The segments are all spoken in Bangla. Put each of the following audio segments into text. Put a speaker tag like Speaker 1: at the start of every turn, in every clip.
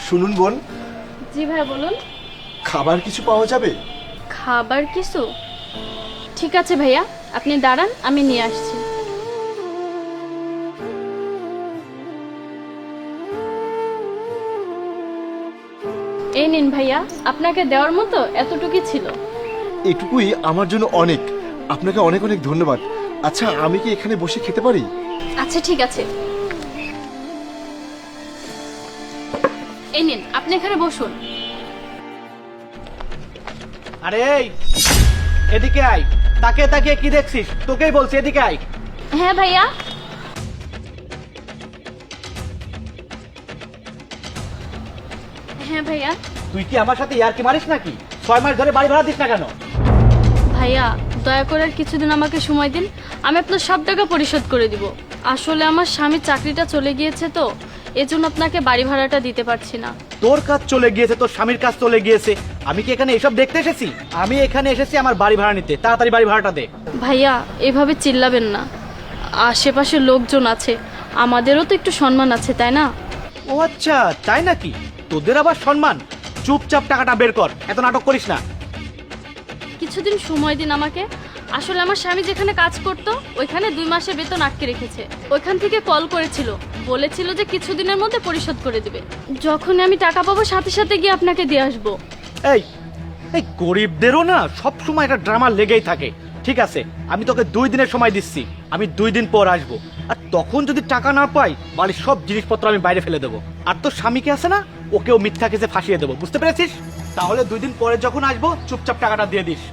Speaker 1: শুনুন বোন,
Speaker 2: জি ভাই বলুন।
Speaker 1: খাবার কিছু পাওয়া যাবে?
Speaker 2: খাবার কিছু? ঠিক আছে ভাইয়া, আপনি দাঁড়ান, আমি নিয়ে আসছি। এই নিন ভাইয়া, আপনাকে দেওয়ার মতো এতটুকুই ছিল।
Speaker 1: এটুকুই আমার জন্য অনেক। আপনাকে অনেক অনেক ধন্যবাদ। আচ্ছা, আমি কি এখানে বসে খেতে পারি?
Speaker 2: আচ্ছা ঠিক আছে, এই নিন, আপনি এখানে বসুন।
Speaker 3: আরে এই, এদিকে আয়। তাকে তাকিয়ে কি দেখছিস? তোকেই বলছি, এদিকে আয়।
Speaker 2: হ্যাঁ ভাইয়া। হ্যাঁ ভাইয়া।
Speaker 3: তুই কি আমার সাথে ইয়ার্কি মারিস নাকি? 6 মাস ধরে বাড়ি ভাড়া দিস না কেন?
Speaker 2: ভাইয়া দয়া করে আর কিছুদিন আমাকে সময় দিন, আমি আপনার সব টাকা পরিশোধ করে দিব। আসলে আমার স্বামীর চাকরিটা চলে গিয়েছে তো, এজন্য আপনাকে বাড়ি ভাড়াটা দিতে পারছি না।
Speaker 3: তোর কাজ চলে গিয়েছে, তোর স্বামীর কাজ চলে গিয়েছে, আমি কি এখানে এসব দেখতে এসেছি? আমি এখানে এসেছি আমার বাড়ি ভাড়া নিতে। তাড়াতাড়ি বাড়ি ভাড়াটা দে।
Speaker 2: ভাইয়া এভাবে চিল্লাবেন না, আশেপাশে লোকজন আছে, আমাদেরও তো একটু সম্মান আছে তাই না?
Speaker 3: ও আচ্ছা, তাই নাকি? তোদের আবার সম্মান? চুপচাপ টাকাটা বের কর, এত নাটক করিস না।
Speaker 2: কিছুদিন সময় দিন আমাকে। আসলে আমার স্বামী যেখানে কাজ করত ওইখানে 2 মাসের বেতন আটকে রেখেছে। ওইখান থেকে কল করেছিল, বলেছিল যে কিছুদিনের মধ্যে পরিশোধ করে দিবে। যখন আমি টাকা পাবো সাথে সাথে গিয়ে আপনাকে দিয়ে আসবো।
Speaker 3: এই এই গরিবদেরও না সব সময় একটা ড্রামা লেগেই থাকে। ঠিক আছে, আমি তোকে 2 দিনের সময় দিচ্ছি, আমি 2 দিন পর আসবো। আর তখন যদি টাকা না পাই, বাড়ির সব জিনিসপত্র আমি বাইরে ফেলে দেবো। আর তোর স্বামীকে আছে না, ওকেও মিথ্যা কেসে ফাঁসিয়ে দেবো। বুঝতে পেরেছিস? তাহলে 2 দিন পরে যখন আসবো চুপচাপ টাকাটা দিয়ে দিস।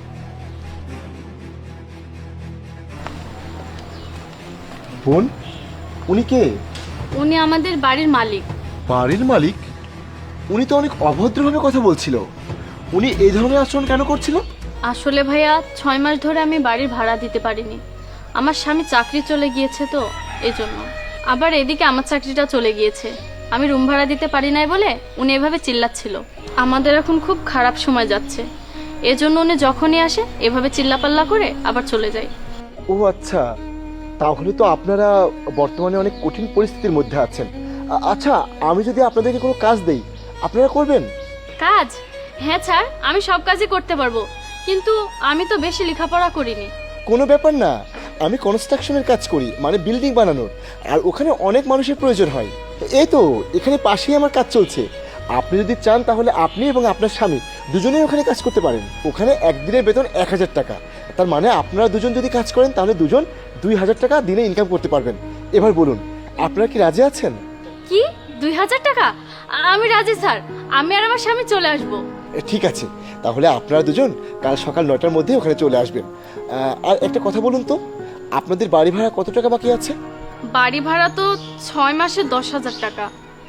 Speaker 1: বোন, উনি কে?
Speaker 2: উনি আমাদের বাড়ির মালিক।
Speaker 1: বাড়ির মালিক? উনি তো অনেক অভদ্রভাবে কথা বলছিল। উনি এই ধরনের আচরণ কেন করছিল?
Speaker 2: আসলে ভাইয়া 6 মাস ধরে আমি বাড়ির ভাড়া দিতে পারিনি। আমার স্বামী চাকরি চলে গিয়েছে তো এজন্য। আবার এদিকে আমার চাকরিটা চলে গিয়েছে, আমি রুম ভাড়া দিতে পারি নাই বলে উনি এভাবে চিল্লাচ্ছিল। আমাদের এখন খুব খারাপ সময় যাচ্ছে, এজন্য উনি যখনই আসে এভাবে চিল্লাপাল্লা করে আবার চলে যায়।
Speaker 1: ও আচ্ছা, তাহলে তো আপনারা বর্তমানে অনেক কঠিন পরিস্থিতির মধ্যে আছেন। আচ্ছা, আমি যদি আপনাদেরকে কোনো কাজ দেই, আপনারা করবেন?
Speaker 2: কাজ? হ্যাঁ স্যার, আমি সব কাজই করতে পারবো, কিন্তু আমি তো বেশি লেখাপড়া করিনি।
Speaker 1: কোনো ব্যাপার না, আমি কনস্ট্রাকশনের কাজ করি, মানে বিল্ডিং বানানোর। আর ওখানে অনেক মানুষের প্রয়োজন হয়। এই তো এখানে পাশেই আমার কাজ চলছে। আপনি যদি চান তাহলে আপনি এবং আপনার স্বামী দুজনেই ওখানে কাজ করতে পারেন। ওখানে একদিনের বেতন 1000 টাকা। তার মানে আপনারা দুজন যদি কাজ করেন তাহলে দুজন 2000 টাকা দিনে ইনকাম করতে পারবেন। এবার বলুন, আপনারা কি রাজি আছেন?
Speaker 2: কি 2000 টাকা? আমি রাজি স্যার, আমি আর আমার স্বামী চলে আসবো।
Speaker 1: ঠিক আছে, তাহলে আপনারা দুজন কাল সকাল 9টার মধ্যে ওখানে চলে আসবেন। আর একটা কথা বলুন তো, আপনাদের বাড়ি ভাড়া কত টাকা বাকি আছে?
Speaker 2: বাড়ি ভাড়া তো 6 মাসে 10,000 টাকা।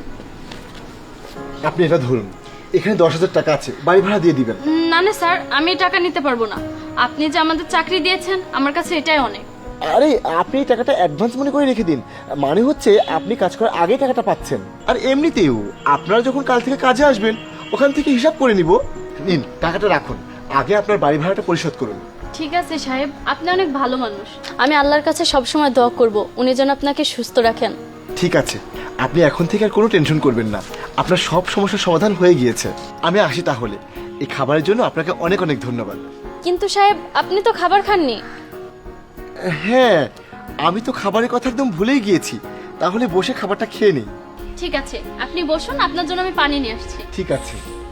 Speaker 1: আপনি এটা ধরুন, এখানে 10,000 টাকা আছে, বাড়ি ভাড়া দিয়ে দিবেন।
Speaker 2: না না স্যার, আমি এই টাকা নিতে পারবো না। আপনি যে আমাদের চাকরি দিয়েছেন আমার কাছে এটাই অনেক।
Speaker 1: আরে আপনি এই টাকাটা অ্যাডভান্স মনে করে রেখে দিন। মানে হচ্ছে আপনি কাজ করার আগে টাকাটা পাচ্ছেন। আর এমনিতেও আপনারা যখন কাল থেকে কাজে আসবেন ওখান থেকে হিসাব করে নিব। নিন, টাকাটা রাখুন, আগে আপনার বাড়ি ভাড়াটা পরিশোধ করুন।
Speaker 2: ঠিক আছে সাহেব, আপনি অনেক ভালো মানুষ। আমি আল্লাহর কাছে সবসময় দোয়া করব উনি যেন আপনাকে সুস্থ রাখেন।
Speaker 1: ঠিক আছে, আপনি এখন থেকে আর কোনো টেনশন করবেন না, আপনার সব সমস্যার সমাধান হয়ে গিয়েছে। আমি আসি তাহলে। এই খাবারের জন্য আপনাকে অনেক অনেক ধন্যবাদ।
Speaker 2: কিন্তু সাহেব, আপনি তো খাবার খাননি।
Speaker 1: হ্যাঁ, আমি তো খাবারের কথা একদম ভুলেই গিয়েছি। তাহলে বসে খাবারটা খেয়ে নিই।
Speaker 2: ঠিক আছে, আপনি বসুন, আপনার জন্য আমি পানি নিয়ে আসছি।
Speaker 1: ঠিক আছে।